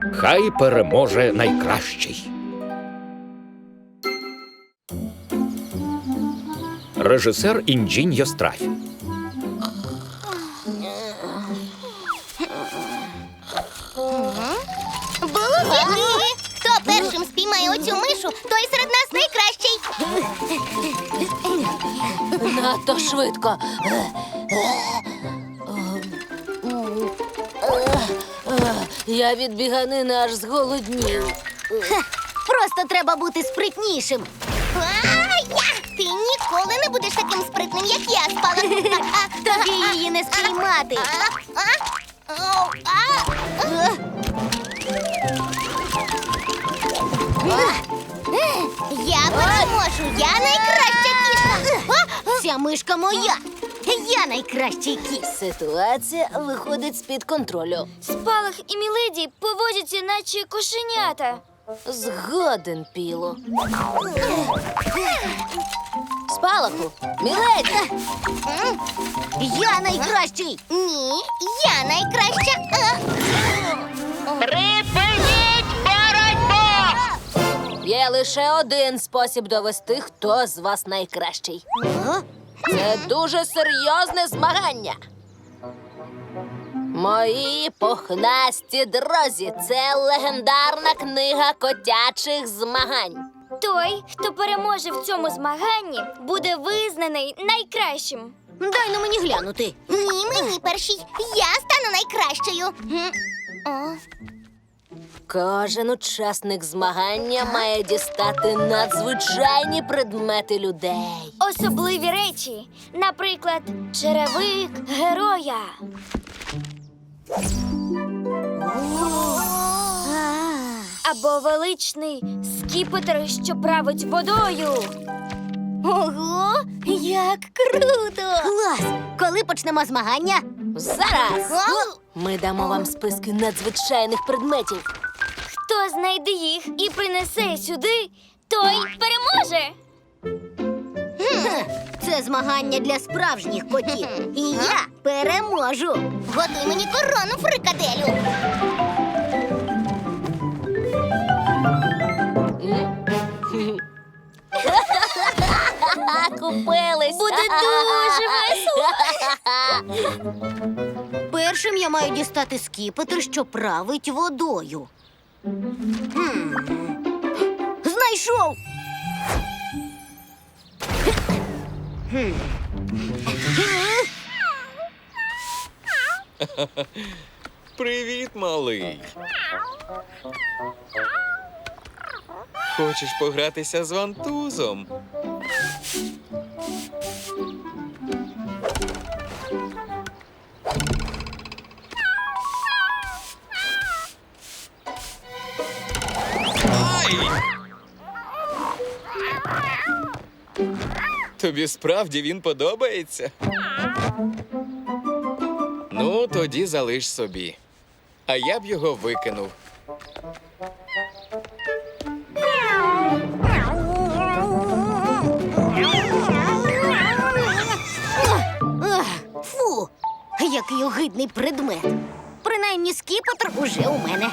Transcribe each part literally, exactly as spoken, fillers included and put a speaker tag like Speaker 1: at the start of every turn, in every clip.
Speaker 1: Хай переможе найкращий. Режисер Інджінь Йостраф.
Speaker 2: Було. Хто першим спіймає оцю мишу, той серед нас найкращий.
Speaker 3: Надто швидко. Я від біганини аж зголоднів.
Speaker 2: Просто треба бути спритнішим. Ти ніколи не будеш таким спритним, як я, Спалаху. Тобі її не спіймати. Я переможу, я найкраща кішка. Ця мишка моя. Я найкращий кіт.
Speaker 3: Ситуація виходить з-під контролю.
Speaker 4: Спалах і Міледі поводяться, наче кошенята.
Speaker 3: Згоден, Піло. Спалаху, Міледі!
Speaker 2: Я найкращий. Ні, я найкраща.
Speaker 5: Припиніть боротьбу!
Speaker 3: Є лише один спосіб довести, хто з вас найкращий. Це дуже серйозне змагання. Мої пухнасті друзі, це легендарна книга котячих змагань.
Speaker 4: Той, хто переможе в цьому змаганні, буде визнаний найкращим.
Speaker 2: Дай на мені глянути. Ні, мені першій. Я стану найкращою. М. О.
Speaker 3: Кожен учасник змагання має дістати надзвичайні предмети людей.
Speaker 4: Особливі речі, наприклад, черевик героя. Або величний скіпетр, що править водою.
Speaker 2: Ого, як круто! Клас! Коли почнемо змагання?
Speaker 3: Зараз
Speaker 2: О!
Speaker 3: ми дамо вам списки надзвичайних предметів.
Speaker 4: Хто знайде їх і принесе сюди, той переможе.
Speaker 2: Це змагання для справжніх котів. І я переможу. Готуй мені корону, фрикаделю.
Speaker 3: Купились.
Speaker 4: Буде дуже весело.
Speaker 2: Першим я маю дістати скіпетр, що править водою. Хм. Знайшов! Хм.
Speaker 6: Привіт, малий. Хочеш погратися з вантузом? Ай! Тобі справді він подобається? Ну, тоді залиш собі. А я б його викинув.
Speaker 2: Ах, фу, який огидний предмет. Принаймні скіпетр уже у мене.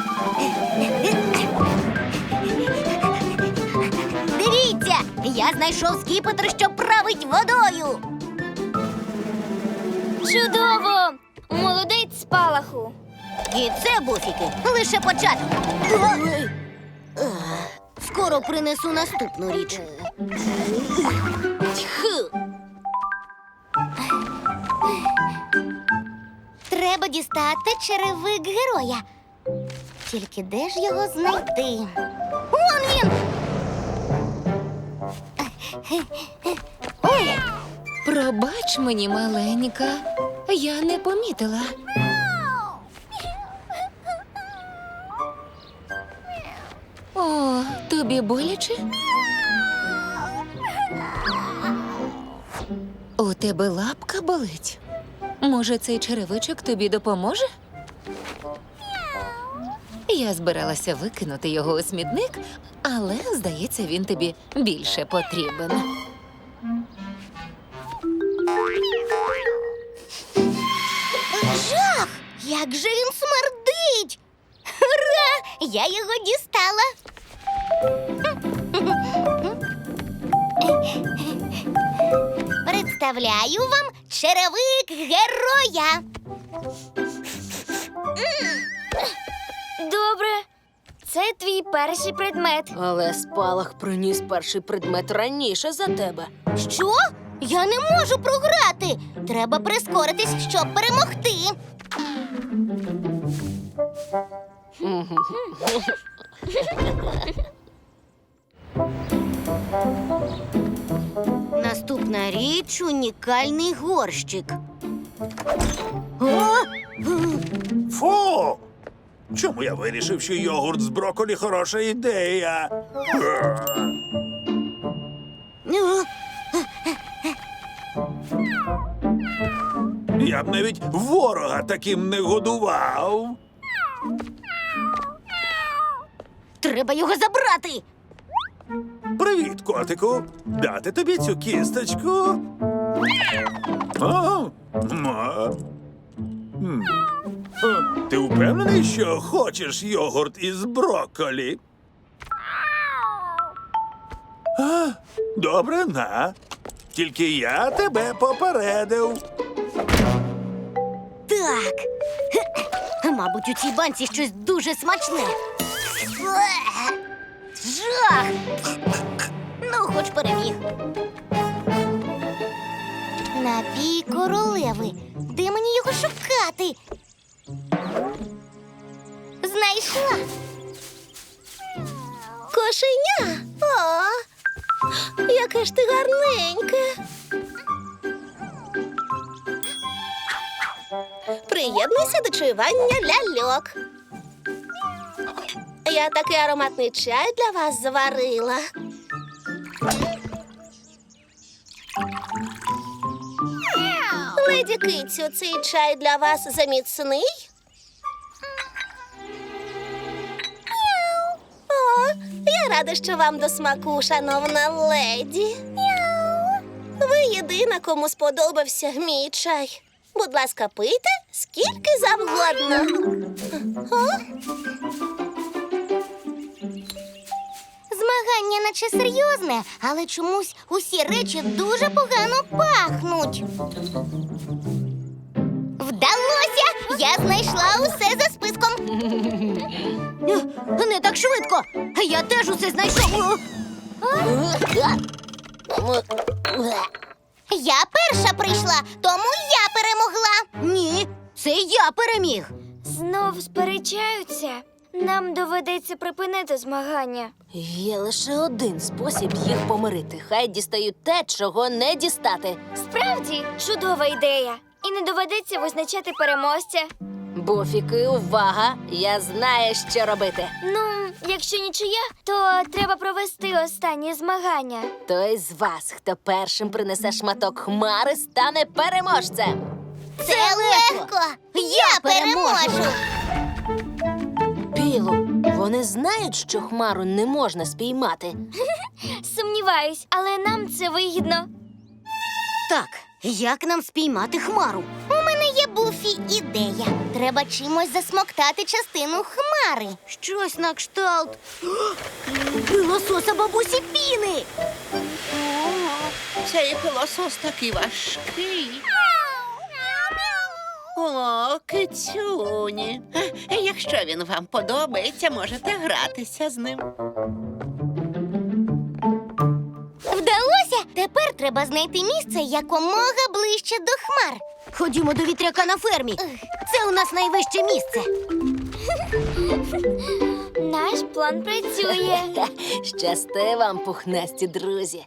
Speaker 2: Дивіться, я знайшов скіпетр, що править водою.
Speaker 4: Чудово! Молодець, Спалаху.
Speaker 2: І це, буфіки, лише початок. Скоро принесу наступну річ. Тьху. Треба дістати черевик героя. Тільки де ж його знайти? Вон він! Ой!
Speaker 7: Пробач мені, маленька, я не помітила. О, тобі боляче? У тебе лапка болить? Може, цей черевичок тобі допоможе? Я збиралася викинути його у смітник, але, здається, він тобі більше потрібен.
Speaker 2: Жах! Як же він смердить! Ура! Я його дістала. Представляю вам черевик героя.
Speaker 4: Добре. Це твій перший предмет.
Speaker 3: Але спалах приніс перший предмет раніше за тебе.
Speaker 2: Що? Я не можу програти. Треба прискоритись, щоб перемогти. Наступна річ — унікальний горщик. О!
Speaker 8: Фу! Чому я вирішив, що йогурт з брокколі хороша ідея?
Speaker 2: О!
Speaker 8: Я б навіть ворога таким не годував.
Speaker 2: Треба його забрати.
Speaker 8: Привіт, котику. Дати тобі цю кісточку? О, ма. М. Е, Ти впевнений, що хочеш йогурт із брокколі? А, добре, на. Тільки я тебе попередив.
Speaker 2: Так. Мабуть, у цій банці щось дуже смачне. Е, Жах! Ну, хоч переміг. Напій королеви. Де мені його шукати? Знайшла. Кошеня. О, яке ж ти гарненьке.
Speaker 9: Приєднуйся до чаювання ляльок. Я такий ароматний чай для вас заварила. Леді Кицю, цей чай для вас заміцний? О, я рада, що вам до смаку, шановна леді. Ви єдина, кому сподобався мій чай. Будь ласка, пийте скільки завгодно. О?
Speaker 2: Змагання наче серйозне, але чомусь усі речі дуже погано пахнуть. Вдалося! Я знайшла усе за списком. Не так швидко. Я теж усе знайшов. Я перша прийшла, тому я перемогла. Ні, це я переміг.
Speaker 4: Знов сперечаються. Нам доведеться припинити змагання.
Speaker 3: Є лише один спосіб їх помирити. Хай дістають те, чого не дістати.
Speaker 4: Справді, чудова ідея. І не доведеться визначати переможця.
Speaker 3: Буфіки, увага! Я знаю, що робити.
Speaker 4: Ну, якщо нічия, то треба провести останні змагання.
Speaker 3: Той з вас, хто першим принесе шматок хмари, стане переможцем.
Speaker 2: Це легко. Я переможу.
Speaker 3: Білу, вони знають, що хмару не можна спіймати.
Speaker 4: Сумніваюсь, але нам це вигідно.
Speaker 2: Так, як нам спіймати хмару? У мене є, Буфі, ідея. Треба чимось засмоктати частину хмари. Щось на кшталт пилососа бабусі Піни.
Speaker 10: Цей пилосос такий важкий. О, кицюні. Е, Якщо він вам подобається, можете гратися з ним.
Speaker 2: Вдалося? Тепер треба знайти місце якомога ближче до хмар. Ходімо до вітряка на фермі. Це у нас найвище місце.
Speaker 4: Наш план працює.
Speaker 3: Щасти вам, пухнасті друзі.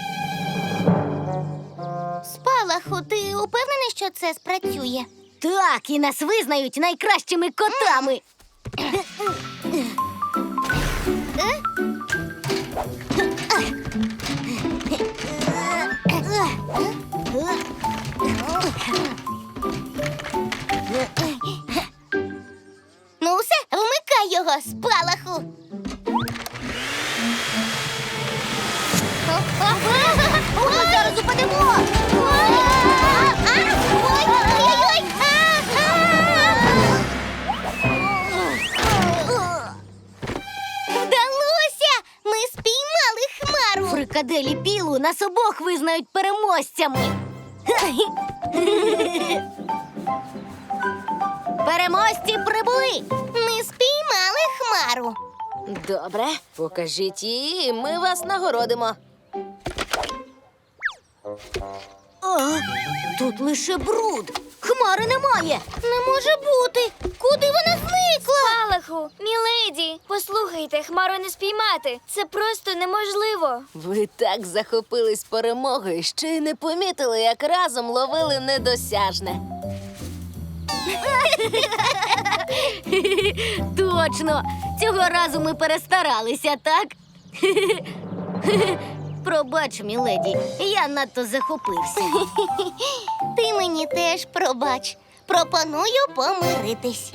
Speaker 2: Спалаху, ти упевнений, що це спрацює? Так, і нас визнають найкращими котами. Ну все, вмикай його, Спалаху. О, зараз упадемо! Ой-ой-ой! цитаделі Пілу нас обох визнають переможцями. Переможці прибули!
Speaker 9: Ми спіймали хмару.
Speaker 3: Добре, покажіть її, і ми вас нагородимо.
Speaker 2: О, тут лише бруд. Хмари немає. Не може бути. Куди вона зникла?
Speaker 4: Спалаху, міледі, послухайте, хмару не спіймати. Це просто неможливо.
Speaker 3: Ви так захопились перемогою, що й не помітили, як разом ловили недосяжне.
Speaker 2: Точно! Цього разу ми перестаралися, так? Пробач, міледі, я надто захопився.
Speaker 9: Ти мені теж пробач. Пропоную помиритись.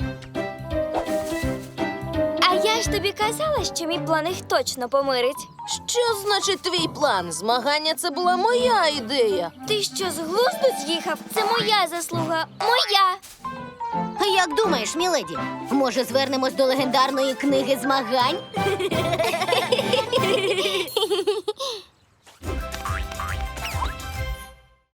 Speaker 4: А я ж тобі казала, що мій план їх точно помирить.
Speaker 3: Що значить твій план? Змагання це була моя ідея.
Speaker 4: Ти що, з глузду з'їхав? Це моя заслуга. Моя!
Speaker 2: Як думаєш, міледі, може звернемось до легендарної книги змагань?